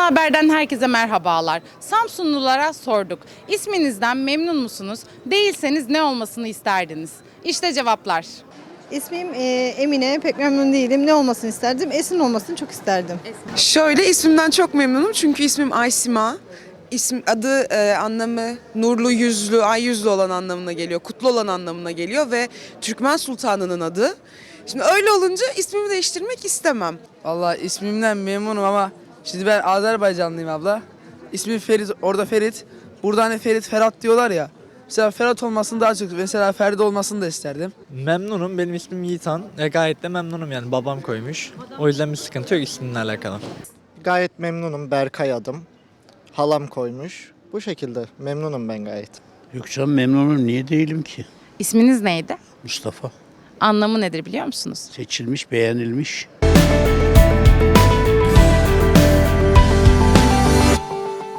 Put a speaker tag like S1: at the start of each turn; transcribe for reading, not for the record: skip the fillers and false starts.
S1: Haber'den herkese merhabalar. Samsunlulara sorduk. İsminizden memnun musunuz? Değilseniz ne olmasını isterdiniz? İşte cevaplar.
S2: İsmim Emine. Pek memnun değilim. Ne olmasını isterdim? Esin olmasını çok isterdim.
S3: Şöyle ismimden çok memnunum çünkü ismim Aysima. Adı anlamı nurlu yüzlü, ay yüzlü olan anlamına geliyor. Kutlu olan anlamına geliyor ve Türkmen Sultanı'nın adı. Şimdi öyle olunca ismimi değiştirmek istemem.
S4: Vallahi ismimden memnunum ama şimdi ben Azerbaycanlıyım abla. İsmim Ferit, orada Ferit. Burada hani Ferit, Ferhat diyorlar ya. Mesela Ferhat olmasını daha çok, mesela Ferdi olmasını da isterdim.
S5: Memnunum. Benim ismim Yiğitan. Gayet de memnunum yani babam koymuş. O yüzden bir sıkıntı yok ismimle alakalı.
S6: Gayet memnunum. Berkay adım. Halam koymuş. Bu şekilde memnunum ben gayet.
S7: Yok canım memnunum. Niye değilim ki?
S1: İsminiz neydi?
S7: Mustafa.
S1: Anlamı nedir biliyor musunuz?
S7: Seçilmiş, beğenilmiş.